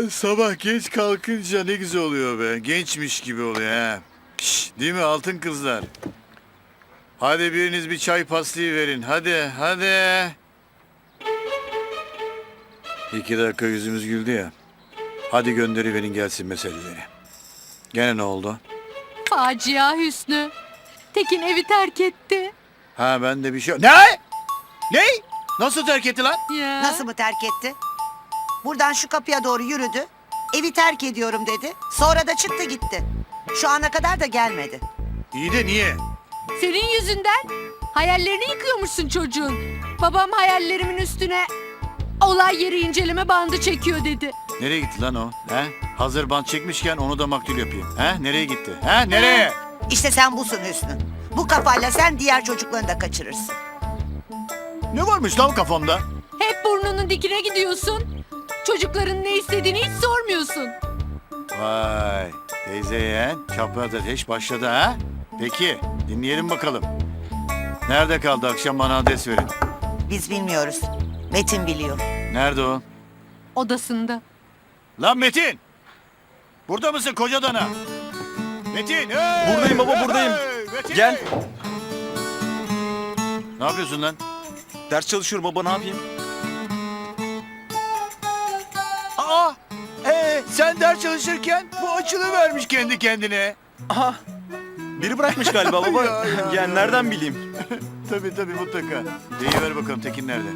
Sabah geç kalkınca ne güzel oluyor be. Gençmiş gibi oluyor ha. Şş, değil mi altın kızlar? Hadi biriniz bir çay pasliği verin. Hadi. 2 dakika yüzümüz güldü ya. Hadi gönderiverin gelsin meseleleri. Gene ne oldu? Facia Hüsnü. Tekin evi terk etti. Ha ben de bir şey... Ne? Ne? Nasıl terk etti lan? Ya. Nasıl mı terk etti? Buradan şu kapıya doğru yürüdü. Evi terk ediyorum dedi. Sonra da çıktı gitti. Şu ana kadar da gelmedi. İyi de niye? Senin yüzünden hayallerini yıkıyormuşsun çocuğun. Babam hayallerimin üstüne olay yeri inceleme bandı çekiyor dedi. Nereye gitti lan o? He? Hazır bant çekmişken onu da maktul yapayım. He? Nereye gitti? He? Nereye? İşte sen busun Hüsnü. Bu kafayla sen diğer çocuklarını da kaçırırsın. Ne varmış lan kafamda? Hep burnunun dikine gidiyorsun. Çocukların ne istediğini hiç sormuyorsun. Vay teyze yeğen çapraz ateş başladı ha? Peki dinleyelim bakalım. Nerede kaldı akşam bana adres verin. Biz bilmiyoruz. Metin biliyor. Nerede o? Odasında. Lan Metin! Burada mısın koca dana? Metin! Hey! Buradayım baba, buradayım. Metin! Gel. Ne yapıyorsun lan? Ders çalışıyorum baba, ne yapayım? Aa! Sen ders çalışırken bu açılıvermiş kendi kendine. Aha. Biri bırakmış galiba baba. Ya. Yani nereden bileyim? Tabii mutlaka. Deyiver bakalım Tekin nerede?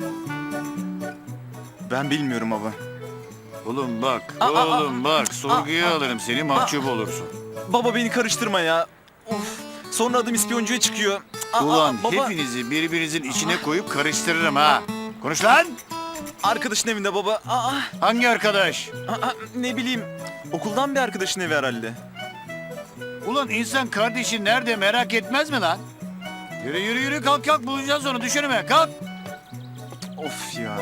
Ben bilmiyorum baba. Oğlum bak, bak sorguya alırım seni mahcup olursun. Baba beni karıştırma ya. Of. Sonra adım ispiyoncuya çıkıyor. Ulan baba. hepinizi birbirinizin içine koyup karıştırırım ha. Konuş lan! Arkadaşın evinde baba. Hangi arkadaş? Ne bileyim. Okuldan bir arkadaşın evi herhalde. Ulan insan kardeşi nerede merak etmez mi lan? Yürü kalk bulacağız onu düşürme kalk. Of ya.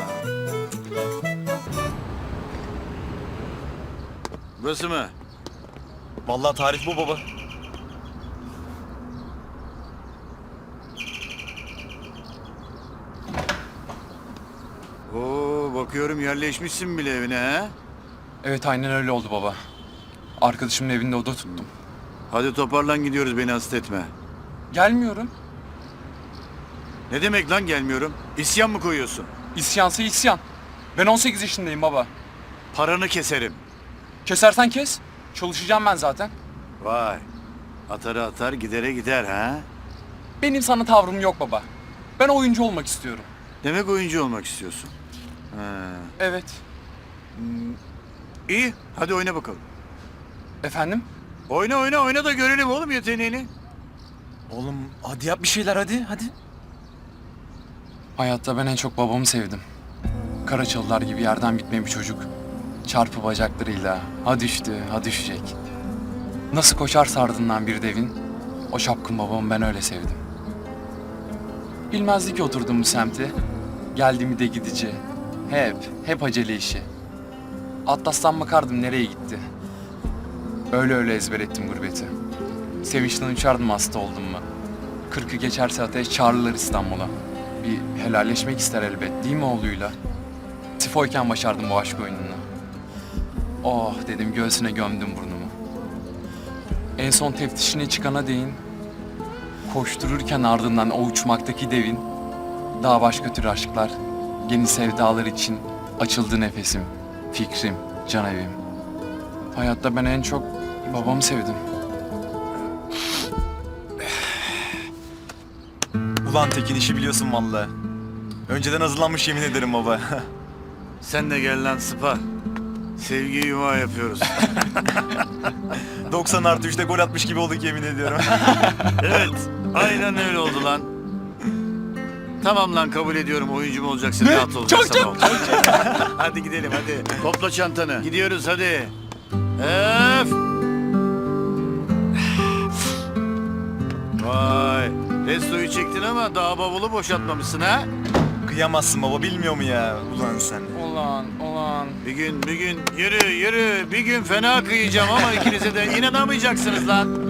Burası mı? Vallahi tarif bu baba. Oo bakıyorum yerleşmişsin bile evine ha. Evet aynen öyle oldu baba. Arkadaşımın evinde oda tuttum. Hadi toparlan gidiyoruz beni hasta etme. Gelmiyorum. Ne demek lan gelmiyorum? İsyan mı koyuyorsun? İsyansa isyan. Ben 18 yaşındayım baba. Paranı keserim. Kesersen kes. Çalışacağım ben zaten. Vay. Atarı atar gidere gider ha. Benim sana tavrım yok baba. Ben oyuncu olmak istiyorum. Demek oyuncu olmak istiyorsun. Ha. Evet. İyi hadi oyna bakalım. Efendim? Oyna da görelim oğlum yeteneğini. Oğlum hadi yap bir şeyler hadi. Hayatta ben en çok babamı sevdim. Karaçalılar gibi yerden bitme bir çocuk. Çarpı bacaklarıyla ha düştü ha düşecek. Nasıl koşarsa ardından bir devin, o şapkın babamı ben öyle sevdim. Bilmezdi ki oturdum bu semte. Geldi mi de gidici. Hep acele işi. Atlas'tan bakardım nereye gitti. Öyle ezber ettim gurbeti. Sevinçten uçardım hasta oldum mu. 40'ı geçerse ateş çağırırlar İstanbul'a. Bir helalleşmek ister elbet değil mi oğluyla? Tifoyken başardım bu aşk oyununu. Oh dedim göğsüne gömdüm burnumu. En son teftişine çıkana değin. Koştururken ardından o uçmaktaki devin. Daha başka tür aşklar. Yeni sevdalar için açıldı nefesim. Fikrim, can evim. Hayatta ben en çok babamı sevdim. Ulan Tekin işi biliyorsun vallahi. Önceden hazırlanmış yemin ederim baba. Sen de gel lan sıpa. Sevgi yuva yapıyoruz. 90+3'te gol atmış gibi olduk yemin ediyorum. Evet aynen öyle oldu lan. Tamam lan kabul ediyorum oyuncu mu olacaksın rahat olacaksın. Çok. Hadi gidelim hadi. Topla çantanı. Gidiyoruz hadi. Öf. Vay. Restoyu çektin ama daha bavulu boşaltmamışsın ha? Kıyamazsın baba, bilmiyor mu ya? Ulan sen. Ulan. Bir gün yürü bir gün fena kıyacağım ama ikinize de inanamayacaksınız lan.